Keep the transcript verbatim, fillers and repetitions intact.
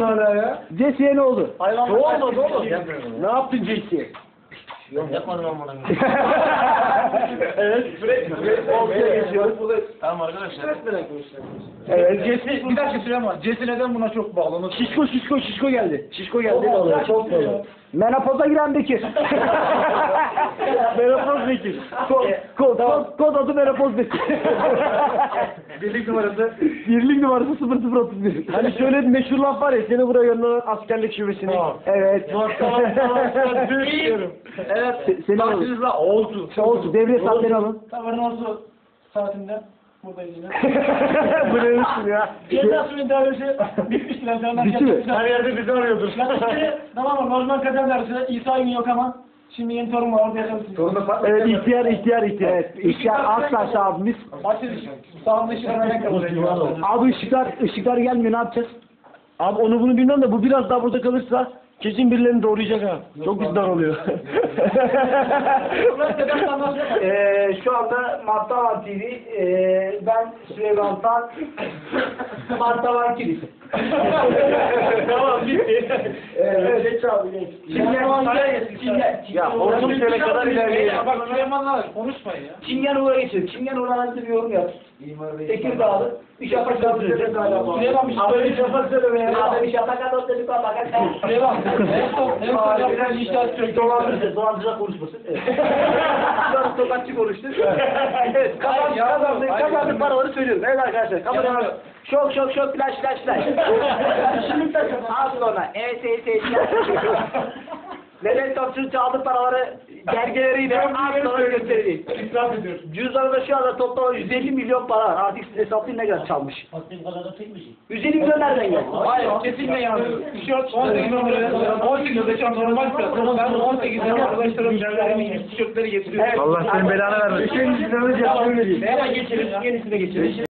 yapıyorsun hala ya? Jesse'ye ne oldu? Ne olmadı oğlum? Ne yaptın Jesse'ye? Yapmadım ben bunu. Evet. Oltaya geçiyoruz. Tamam arkadaşlar. Evet. Jesse, bir dakika Süleyman var. Jesse neden buna çok bağlı? Şişko şişko şişko geldi. Şişko geldi. Çok Vallahi güzel. çok güzel. Menopoza giren Bekir. Menopoz Bekir. Kod, kod, kod, kod adı Menopoz Bekir. Birlik numarası. Birlik numarası sıfır sıfır otuz bir. Hani şöyle bir meşhur laf var ya, seni buraya gönderen askerlik şubesine. Tamam. Evet. Tamam tamam tamam. Büyüyorum. Evet. Se- Seni alın. Karşınızda oldu. Olsun. Devre saatleri alın. Tavarın olsun saatinde buradayız yine. Bu ne biçim ya? Ceza suyun dairesi bitmiştir. Bitti mi? Her yerde bizi arıyordur. Yaklaşık tamam mı? Normal kadar dersi İsa gün yok ama şimdi yeni torun var orada yaşamışsınız. Torunu Evet, ihtiyar ihtiyar ihtiyar. Evet, ihtiyar Aktaş abimiz. Başka sağında ışık örnek kalır. Abi ışıklar ışıklar gelmiyor, ne yapacağız? Abi onu bunu bilmem de bu biraz daha burada kalırsa kesin birilerini doğrayacak ha. Çok bizden oluyor. Eee şu anda Martavan T V, eee ben Süleyman Tan, Martavan T V. Tamam bitti. Evet, geç abi geç. Çingen, Çingen, Ya ortamı sene kadar ilerleyelim. Bak Süleyman'la konuşmayın ya. Çingen Uğur'a geçelim. Çingen Uğur'a nasıl bir yorum yap? Tekirdağlı. Bir şafak söyleme galiba. Süleyman bir şey Abi söyle. bir şafak söyleme ya. Abi bir şafak at dedik bak. Süleyman. En son en son yapılan inşaat sürekli. Dolandırıcı, dolandırıcı konuşmasın. Evet. Şu an sokakçı konuştu. Evet, kazandık, kazandık, kazandık paraları söylüyorum. Evet arkadaşlar, kamerayı şok şok şok flash flash flash. Şimdi takın, al ona. Evet, evet, evet. Neden topçu çaldı paraları gergeleriyle az sonra göstereyim. İsraf ediyorsun. Cüzdanında şu anda toplam yüz elli milyon para var. Artık siz hesaplayın ne kadar çalmış. Baktığım kadar da çekmişim. yüz elli milyon nereden geldi? Hayır, kesinlikle yanlış. Tişört on sekiz numara, on sekiz yaşam normal fiyat. Ben on sekiz yaşam arkadaşlarım yerlerimi tişörtleri getiriyorum. Allah senin belanı vermesin. Üçüncü cüzdanı cevabını vereyim. Hemen geçelim, yenisine geçelim.